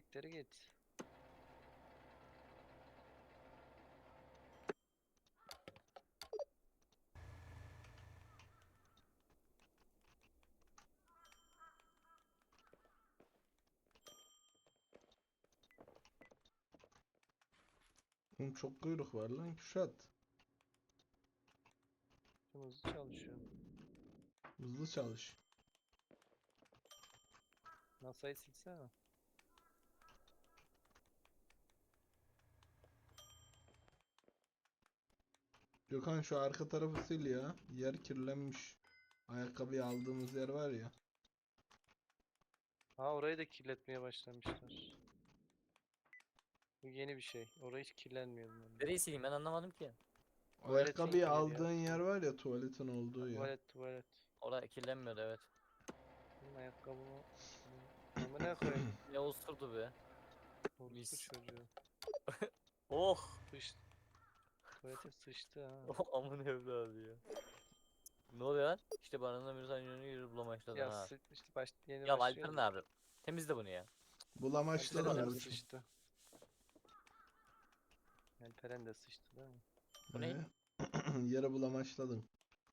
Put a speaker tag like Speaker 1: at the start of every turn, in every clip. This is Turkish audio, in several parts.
Speaker 1: Siktir git.
Speaker 2: Oğlum çok kuyruk var lan Kürşat.
Speaker 1: Çok hızlı çalışıyor.
Speaker 2: Hızlı çalış.
Speaker 1: NASA'yı silsene.
Speaker 2: Gökhan şu arka tarafı sil ya. Yer kirlenmiş. Ayakkabıyı aldığımız yer var ya.
Speaker 1: Ha, orayı da kirletmeye başlamışlar. Bu yeni bir şey. Orayı hiç kirlenmiyor bunların.
Speaker 3: Nereyi sileyim ben anlamadım ki.
Speaker 2: Ayakkabıyı
Speaker 1: Tuvaletin yeri ya.
Speaker 2: aldığın yer var ya, tuvaletin olduğu yer.
Speaker 1: Tuvalet.
Speaker 3: Orada kirlenmiyordu evet.
Speaker 1: Benim ayakkabımı... Ama ne koyayım?
Speaker 3: Ne osurdu be.
Speaker 1: Orospu
Speaker 3: Mis.
Speaker 1: çocuğu.
Speaker 3: Oh.
Speaker 1: Sıçtı. Tuvalete sıçtı ha.
Speaker 3: Oh amın evladı ya. Ne oluyor lan? İşte bana bir tane yürü bulamaçladın
Speaker 1: Ya
Speaker 3: ha.
Speaker 1: işte yeni
Speaker 3: Ya
Speaker 1: başlıyor
Speaker 3: Alper ne
Speaker 1: da.
Speaker 3: abi? Temizle bunu ya.
Speaker 2: Bulamaçladın
Speaker 1: Alperen de
Speaker 2: mı?
Speaker 1: sıçtı. Alperen de sıçtı değil mi?
Speaker 3: Bu ne?
Speaker 2: Yere bulamaçladın.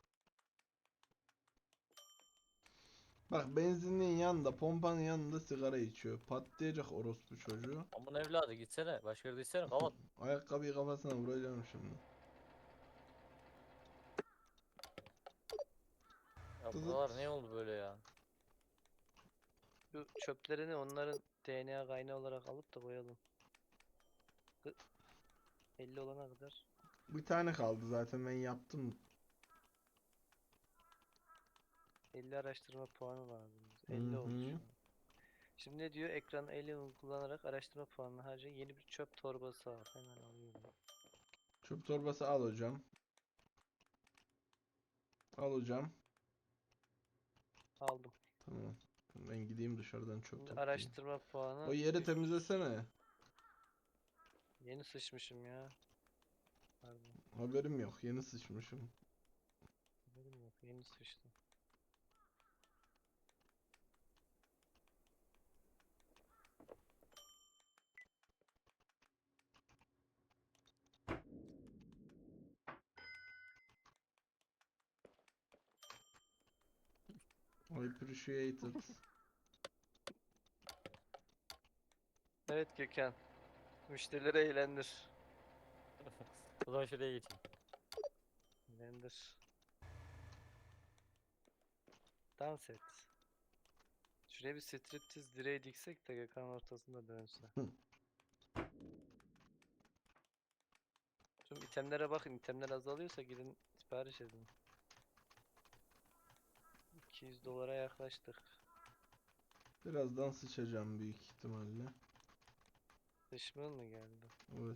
Speaker 2: Bak, benzinliğin yanında, pompanın yanında sigara içiyor. Patlayacak orospu çocuğu.
Speaker 3: Amın evladı gitsene. Başka yerde gitsene kapat.
Speaker 2: Ayakkabıyı kafasına vuracağım şimdi.
Speaker 3: Ya
Speaker 2: Tızıt.
Speaker 3: buralar ne oldu böyle ya?
Speaker 1: Şu çöplerini onların DNA kaynağı olarak alıp da koyalım. 50 olana kadar.
Speaker 2: Bir tane kaldı zaten, ben yaptım.
Speaker 1: 50 araştırma puanı lazım.
Speaker 2: Hı
Speaker 1: 50 oldu
Speaker 2: hı.
Speaker 1: şu an. Şimdi ne diyor? Ekranı elle kullanarak araştırma puanını harca. Yeni bir çöp torbası al. Hemen alıyorum.
Speaker 2: Çöp torbası al hocam. Al hocam.
Speaker 1: Aldım.
Speaker 2: Tamam. Ben gideyim dışarıdan çöp
Speaker 1: Şimdi
Speaker 2: toplayayım.
Speaker 1: araştırma puanı
Speaker 2: O yeri
Speaker 1: 300.
Speaker 2: temizlesene.
Speaker 1: Yeni sıçmışım ya. Pardon.
Speaker 2: Haberim yok. Yeni sıçmışım.
Speaker 1: Haberim yok. Yeni sıçtım.
Speaker 2: I appreciate it.
Speaker 1: Evet Gökhan. Müşterileri eğlendir.
Speaker 3: O zaman şuraya geçeyim.
Speaker 1: Eğlendir. Dans et. Şuraya bir striptiz direği diksek de Gökhan ortasında dönse. Tüm itemlere bakın. İtemler azalıyorsa gidin sipariş edin. 200 dolara yaklaştık.
Speaker 2: Birazdan sıçacağım büyük ihtimalle.
Speaker 1: Düşman mı geldi?
Speaker 2: Evet.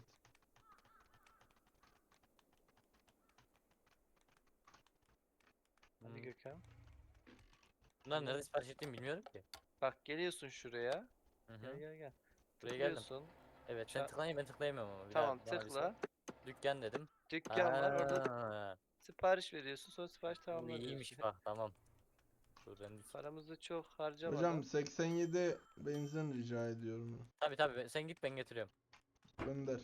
Speaker 1: Hadi
Speaker 3: Hmm.
Speaker 1: Gökhan.
Speaker 3: Bunlar nerede sipariş ettiğimi bilmiyorum ki.
Speaker 1: Bak geliyorsun şuraya.
Speaker 3: Hı
Speaker 1: Gel
Speaker 3: hı.
Speaker 1: gel gel.
Speaker 3: Buraya geldim.
Speaker 1: Tıklıyorsun.
Speaker 3: Evet sen tıklayınca ben tıklayamıyorum ama. Bir daha
Speaker 1: Tamam
Speaker 3: bana bir sor.
Speaker 1: tıkla.
Speaker 3: Dükkan dedim.
Speaker 1: Dükkan var. Orada
Speaker 3: Aa,
Speaker 1: sipariş veriyorsun. Sonra sipariş
Speaker 3: bu
Speaker 1: tamamla diyorsun.
Speaker 3: iyiymiş bak tamam. Dur ben
Speaker 1: Paramızı çok
Speaker 2: Hocam
Speaker 1: harcamadan
Speaker 2: 87 benzin rica ediyorum.
Speaker 3: tabii sen git ben getiriyorum.
Speaker 2: Gönder.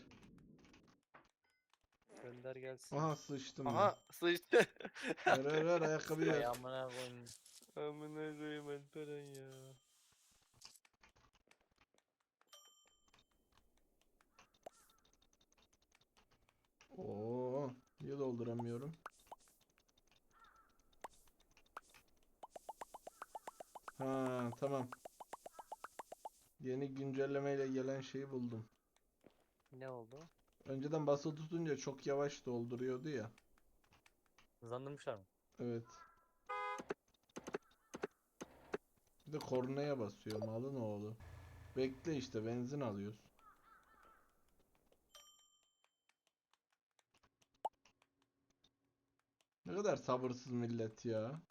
Speaker 1: gönder gelsin.
Speaker 2: Aha, sıçtım ben.
Speaker 1: Aha sıçtı.
Speaker 2: Ver ayakkabıyı
Speaker 3: Ay
Speaker 2: ver.
Speaker 3: amına koyayım.
Speaker 1: Amına koyayım Alperen ya.
Speaker 2: Oo, niye dolduramıyorum? Ha, tamam. Yeni güncellemeyle gelen şeyi buldum.
Speaker 1: Ne oldu?
Speaker 2: Önceden basılı tutunca çok yavaş dolduruyordu ya.
Speaker 3: Hızlandırmışlar mı?
Speaker 2: Evet. Bir de kornaya basıyor malın oğlu. Bekle işte, benzin alıyoruz. Ne kadar sabırsız millet ya.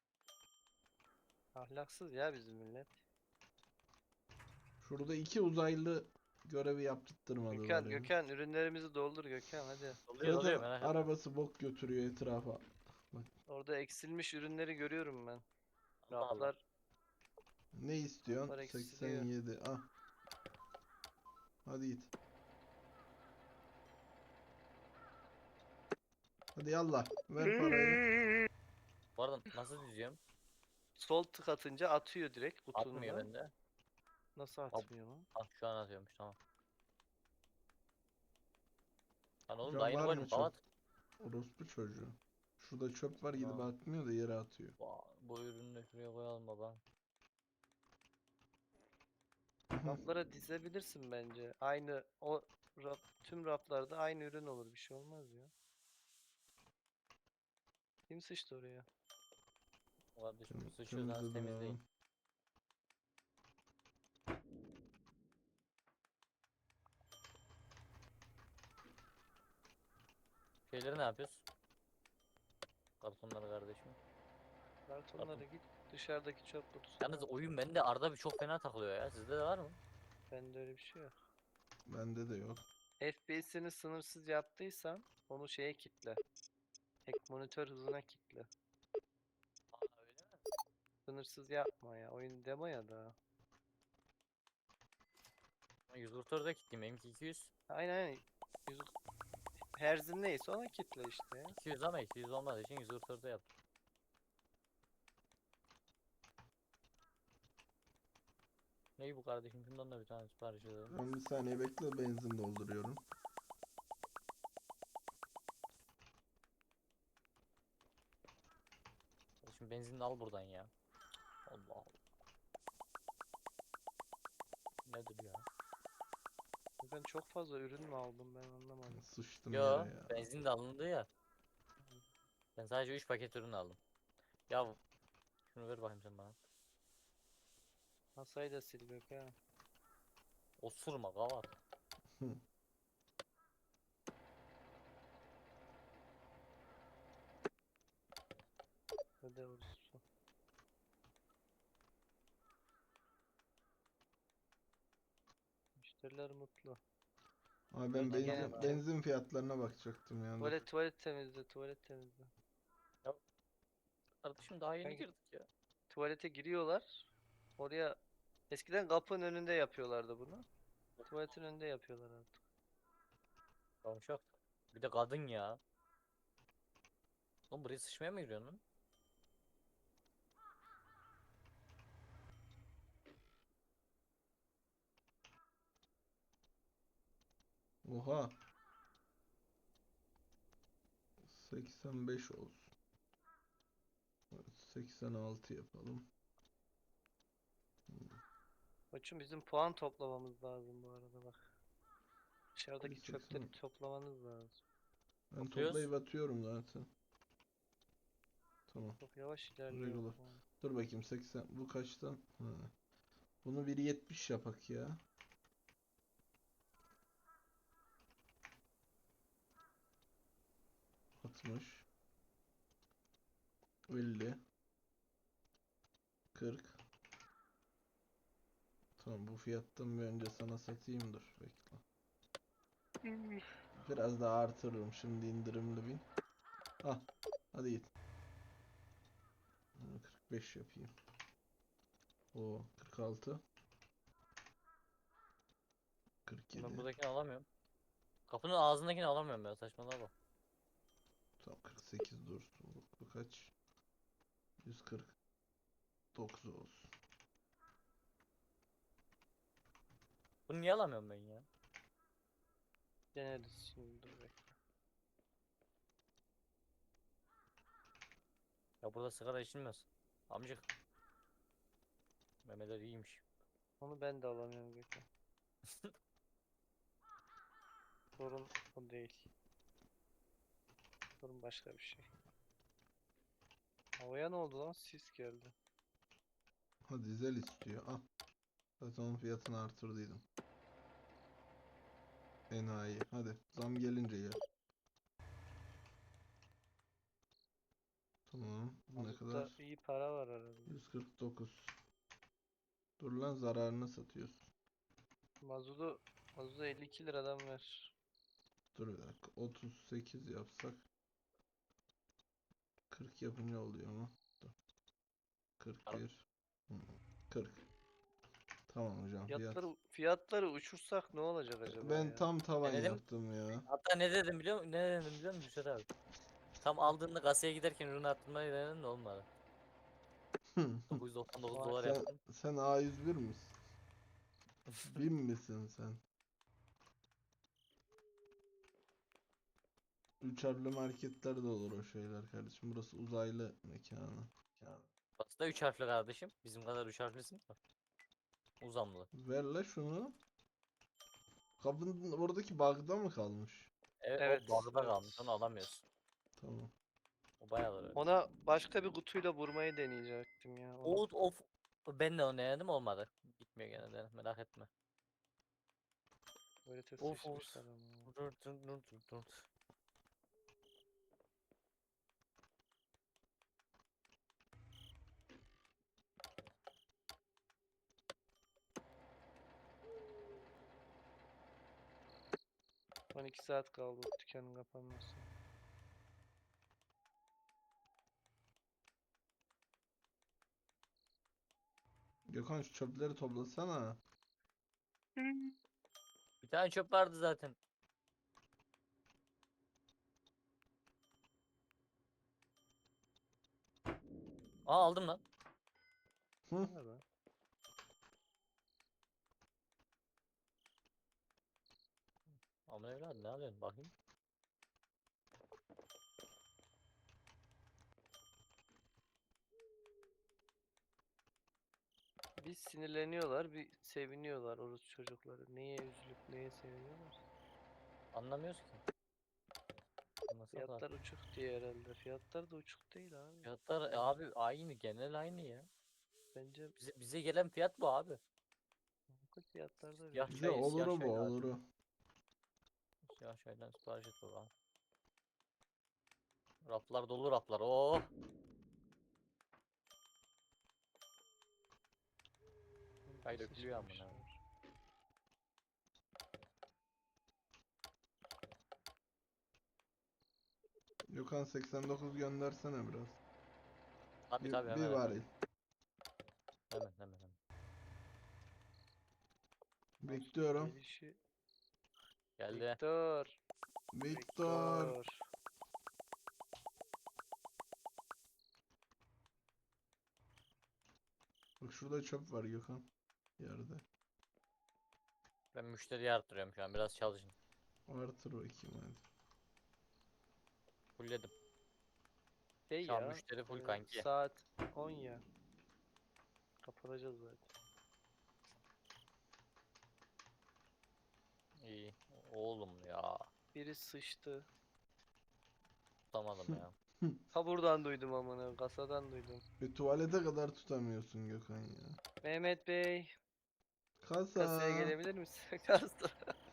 Speaker 1: Ahlaksız ya bizim millet.
Speaker 2: Şurada iki uzaylı görevi yaptırtmadılar
Speaker 1: Gökhan,
Speaker 2: ya.
Speaker 1: Gökhan ürünlerimizi doldur Gökhan hadi.
Speaker 3: Oluyor
Speaker 2: Zaten
Speaker 3: merak etme.
Speaker 2: arabası bok götürüyor etrafa. Bak,
Speaker 1: Orada eksilmiş ürünleri görüyorum ben.
Speaker 3: Allah Allah.
Speaker 1: Raflar,
Speaker 2: ne istiyorsun?
Speaker 1: raflar eksiliyor.
Speaker 2: 87. Ah. Hadi git. Hadi yallah. Ver parayı.
Speaker 3: Bu arada nasıl düzüyorum?
Speaker 1: Sol tık atınca atıyor direkt
Speaker 3: Atmıyor
Speaker 1: butonuna.
Speaker 3: bende.
Speaker 1: Nasıl atmıyor lan?
Speaker 3: Ah şu an atıyormuş tamam. Lan oğlum da
Speaker 2: Hocam
Speaker 3: aynı
Speaker 2: var
Speaker 3: koydum
Speaker 2: mı çöp?
Speaker 3: kavat.
Speaker 2: Orospu çocuğu. Şurada çöp var gidip
Speaker 3: Tamam.
Speaker 2: atmıyor da yere atıyor.
Speaker 3: Bu ürünü de şuraya koyalım baba.
Speaker 1: Raflara dizebilirsin bence. Aynı o tüm raflarda aynı ürün olur. Bir şey olmaz ya. Kim sıçtı oraya?
Speaker 3: Kardeşim
Speaker 2: Tem
Speaker 3: sıçıyorsanız
Speaker 2: temizledim
Speaker 3: temizleyin.
Speaker 2: abi.
Speaker 3: Şeyleri ne yapıyoruz? Kartonları kardeşim.
Speaker 1: Kartonlara git. Dışarıdaki çöp kutusuna
Speaker 3: Yalnız
Speaker 1: at.
Speaker 3: oyun bende arada bir çok fena takılıyor ya. Sizde de var mı?
Speaker 1: Bende öyle bir şey yok.
Speaker 2: Bende de yok.
Speaker 1: FPS'ini sınırsız yaptıysan onu şeye kitle. Ek monitör hızına kitle.
Speaker 3: Aa öyle mi?
Speaker 1: Sınırsız yapma ya. Oyun demo ya da.
Speaker 3: 144'e gittim benimki 200.
Speaker 1: Aynen. Yüz... Herzin neyse ona kitle işte ya.
Speaker 3: 200 ama 200 olmadığı için 144'e yaptım. Neyi bu kardeşim? Şundan da bir tane sipariş edelim.
Speaker 2: Ben bir saniye bekle benzin dolduruyorum.
Speaker 3: Kardeşim benzinini al buradan ya. Allah Allah. Nedir ya?
Speaker 1: Ben çok fazla ürün mü aldım ben anlamadım.
Speaker 2: Sıçtım
Speaker 3: Yo,
Speaker 2: yere ya.
Speaker 3: benzin de alındı ya. Ben sadece 3 paket ürün aldım. Ya şunu ver bakayım sen bana.
Speaker 1: Masayı da sil bak ha.
Speaker 3: Osurma kavat.
Speaker 2: Hı.
Speaker 1: Hadi olsun. Müşteriler mutlu.
Speaker 2: Abi ben
Speaker 3: Benzin gene
Speaker 1: var.
Speaker 2: benzin fiyatlarına bakacaktım ya. Dur.
Speaker 1: Tuvalet temizle, tuvalet temizle.
Speaker 3: Ya kardeşim daha yeni
Speaker 1: Kanki,
Speaker 3: girdik ya.
Speaker 1: tuvalete giriyorlar. Oraya eskiden kapının önünde yapıyorlardı bunu. Tuvaletin önünde yapıyorlar artık.
Speaker 3: Yavşak. Bir de kadın ya. Oğlum buraya sıçmaya mı giriyorsun lan?
Speaker 2: Oha. 85 olsun. Evet, 86 yapalım.
Speaker 1: Koçum bizim puan toplamamız lazım bu arada bak. Dışarıdaki
Speaker 2: Bir
Speaker 1: çöpleri
Speaker 2: 80.
Speaker 1: toplamanız lazım.
Speaker 2: Ben
Speaker 3: Topluyoruz.
Speaker 2: toplayıp atıyorum zaten. Tamam.
Speaker 1: Çok yavaş ilerliyor.
Speaker 2: Regular. Dur bakayım 80. Bu kaçtan? Ha. Bunu 1.70 yapak ya. Altmış. 50. 40. Tamam bu fiyattan bir önce sana satayım dur bekle. Biraz daha artırırım şimdi indirimli bin. Ah hadi git. 45 yapayım. O 46. 47.
Speaker 3: Ben buradakini alamıyorum. Kapının ağzındakini alamıyorum ya saçmalama bak.
Speaker 2: Tamam 48 dursun. Bu kaç? 149 olsun.
Speaker 3: Bunu niye alamıyorum ben ya?
Speaker 1: Deneriz şimdi dur bekle.
Speaker 3: Ya burada sigara içilmez. Amcık. Memeler iyiymiş.
Speaker 1: Onu ben de alamıyorum Gökhan. Sorun o değil. Sorun başka bir şey. Havaya ne oldu lan? Sis geldi.
Speaker 2: Ha dizel istiyor. Ah. Zaten onun fiyatını artırdıydım. Enayi. Hadi zam gelince yer. Tamam. Bu ne
Speaker 1: Mazutta
Speaker 2: kadar?
Speaker 1: iyi para var herhalde.
Speaker 2: 149. Dur lan zararına satıyorsun.
Speaker 1: Mazotu, mazotu 52 liradan ver.
Speaker 2: Dur bir dakika. 38 yapsak 40 yapınca oluyor mu? Dur. 41. Hı, 40. Tamam hocam fiyat.
Speaker 1: Fiyatları uçursak ne olacak acaba
Speaker 2: Ben
Speaker 1: ya?
Speaker 2: tam tavan
Speaker 3: dedim?
Speaker 2: yaptım ya.
Speaker 3: Hatta ne dedim biliyor musun? Ne dedim biliyor musun Hüsret abi? Tam aldığında kasaya giderken ürünü arttırmayı denedim de olmadı. 999
Speaker 1: Vay.
Speaker 3: dolar
Speaker 2: Sen
Speaker 3: yaptım.
Speaker 2: sen A101 misin? Bin misin sen? Üç harfli marketler de olur o şeyler kardeşim. Burası uzaylı mekanı.
Speaker 3: Burası da 3 harfli kardeşim. Bizim kadar 3 harflisin. Uzamlı.
Speaker 2: Ver la şunu. Kapının oradaki bug'da mı kalmış?
Speaker 3: Evet,
Speaker 1: Evet.
Speaker 3: o bug'da
Speaker 1: Evet.
Speaker 3: kalmış. Onu alamıyorsun.
Speaker 2: Tamam.
Speaker 3: O bayağıdır öyle.
Speaker 1: Ona başka bir kutuyla vurmayı deneyecektim ya. Onu.
Speaker 3: Of. Ben de onu denedim olmadı. Gitmiyor gene de merak etme.
Speaker 1: Böyle
Speaker 3: Of.
Speaker 1: sıçmışlar ama.
Speaker 3: Dur.
Speaker 1: 12 saat kaldı o dükkanın kapanması.
Speaker 2: Gökhan şu çöpleri toplasana.
Speaker 3: Bir tane çöp vardı zaten. Aa aldım lan.
Speaker 2: Hı?
Speaker 1: Ne be?
Speaker 3: Aman evladım ne alıyorsun bakayım.
Speaker 1: Bir sinirleniyorlar, bir seviniyorlar orası çocukları. Neye üzülüp neye seviniyorlar?
Speaker 3: Anlamıyoruz ki. Anlasak var.
Speaker 1: Fiyatlar uçuk diye herhalde. Fiyatlar da uçuk değil abi.
Speaker 3: Fiyatlar abi aynı genel aynı ya.
Speaker 1: Bence
Speaker 3: Bize gelen fiyat bu abi.
Speaker 1: makul fiyatlarda
Speaker 3: Siyah
Speaker 2: Bize
Speaker 1: veriyor.
Speaker 3: çay, siyah
Speaker 2: oluru bu
Speaker 3: çay lazım.
Speaker 2: oluru.
Speaker 3: Siyah çaydan sipariş et bakalım. Raflar dolu raflar. Oh. Çay dökülüyor amına.
Speaker 1: Sıçmamışlar.
Speaker 2: Gökhan 89 göndersene biraz.
Speaker 3: Tabii
Speaker 2: Bir
Speaker 3: hemen.
Speaker 2: varil.
Speaker 3: Hemen.
Speaker 2: Bekliyorum.
Speaker 1: Gelişi.
Speaker 3: Geldi.
Speaker 1: Victor.
Speaker 2: Victor.
Speaker 1: Victor.
Speaker 2: Bak şurada çöp var Gökhan. Yerde.
Speaker 3: Ben müşteriyi arttırıyorum şu an. Biraz çalışın.
Speaker 2: Artır bakayım hadi.
Speaker 3: Fullledim.
Speaker 1: Şey
Speaker 3: Şu an
Speaker 1: ya.
Speaker 3: müşteri full kanki.
Speaker 1: Saat 10 ya. Kapatacağız zaten.
Speaker 3: İyi. Oğlum ya.
Speaker 1: Biri sıçtı.
Speaker 3: Tutamadım ya.
Speaker 1: Ta buradan duydum amına. Kasadan duydum.
Speaker 2: Bir tuvalete kadar tutamıyorsun Gökhan ya.
Speaker 1: Mehmet Bey.
Speaker 2: Kasa.
Speaker 1: Kasaya gelebilir misin? Kasa.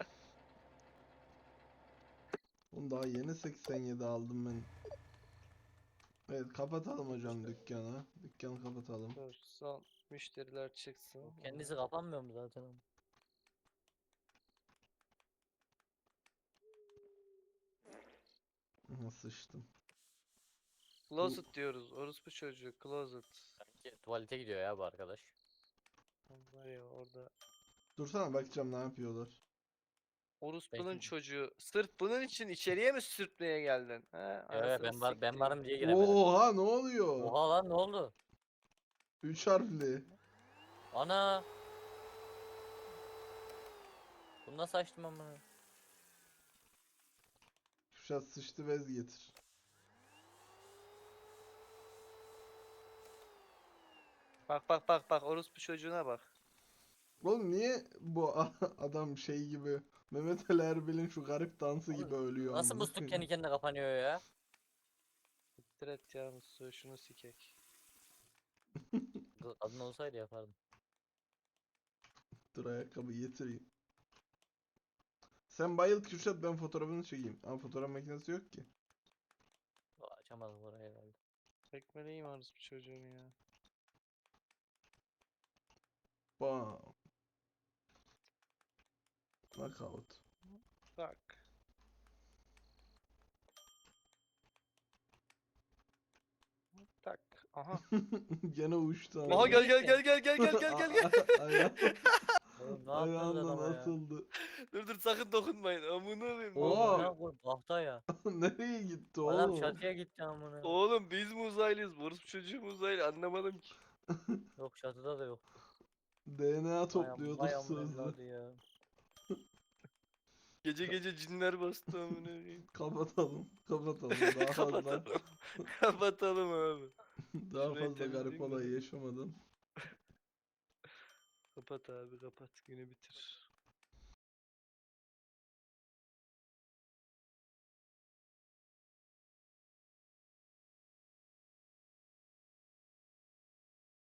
Speaker 2: Oğlum daha yeni 87 aldım ben. Evet kapatalım hocam dükkanı. Dükkanı kapatalım.
Speaker 1: Dur son müşteriler çıksın.
Speaker 3: Kendisi kapanmıyor mu zaten?
Speaker 2: Aha sıçtım.
Speaker 1: Closet diyoruz. Orospu çocuğu. Closet.
Speaker 3: Sanki tuvalete gidiyor ya bu arkadaş.
Speaker 1: Var ya orada.
Speaker 2: Dursana bakacağım ne yapıyorlar.
Speaker 1: Orospunun
Speaker 3: Belki
Speaker 1: çocuğu. Sırf bunun için içeriye mi sürtmeye geldin? Ha?
Speaker 3: evet,
Speaker 1: Anasını
Speaker 3: ben
Speaker 1: siktiğim.
Speaker 3: varım diye giremedi.
Speaker 2: Oha ne oluyor?
Speaker 3: Oha lan ne oldu?
Speaker 2: 3 harfli.
Speaker 3: Ana. Bunu nasıl açtım amına?
Speaker 2: Kuşat sıçtı bez getir.
Speaker 1: Bak. Orospu çocuğuna bak.
Speaker 2: Oğlum niye bu adam şey gibi Mehmet Ali Erbil'in şu garip dansı gibi ölüyor
Speaker 3: Nasıl
Speaker 2: amına
Speaker 3: musluk
Speaker 2: koyayım?
Speaker 3: kendi kendine kapanıyor ya?
Speaker 1: Siktir et ya Mustafa, şunu sikek.
Speaker 3: Kadın olsaydı yapardım.
Speaker 2: Dur ayakkabı getireyim. Sen bayıl Kürşat ben fotoğrafını çekeyim. Ama fotoğraf makinesi yok ki.
Speaker 3: Açamadım orayı herhalde.
Speaker 1: Tekmeleyim orospu çocuğunu ya.
Speaker 2: Bam. Knockout.
Speaker 1: Bak. Tak. Aha.
Speaker 2: Gene uçtu
Speaker 1: Aha
Speaker 2: ama.
Speaker 1: gel gel gel gel gel gel gel gel gel.
Speaker 3: Oğlum ne yaptınız
Speaker 2: Ayağımla
Speaker 3: adama ya?
Speaker 2: asıldı.
Speaker 1: Dur dur sakın dokunmayın. Amına koyayım.
Speaker 2: Oha!
Speaker 3: Amına koy bahta ya.
Speaker 2: Nereye gitti
Speaker 3: Adam
Speaker 2: oğlum?
Speaker 3: çatıya gitti amına.
Speaker 1: Oğlum biz mi uzaylıyız? Boris çocuğu mu uzaylı? Anlamadım ki.
Speaker 3: Yok çatıda da yok.
Speaker 2: DNA
Speaker 3: Vay
Speaker 2: topluyorduk
Speaker 3: vay amına
Speaker 2: sözde.
Speaker 3: evladı ya.
Speaker 1: Gece gece cinler bastı amına koyayım.
Speaker 2: Kapatalım. Kapatalım. Daha fazla
Speaker 1: Kapatalım. Kapatalım abi.
Speaker 2: daha
Speaker 1: Şurayı
Speaker 2: fazla garip
Speaker 1: temizleyeyim de.
Speaker 2: olay yaşamadan.
Speaker 1: Kapat abi kapat. Günü bitir.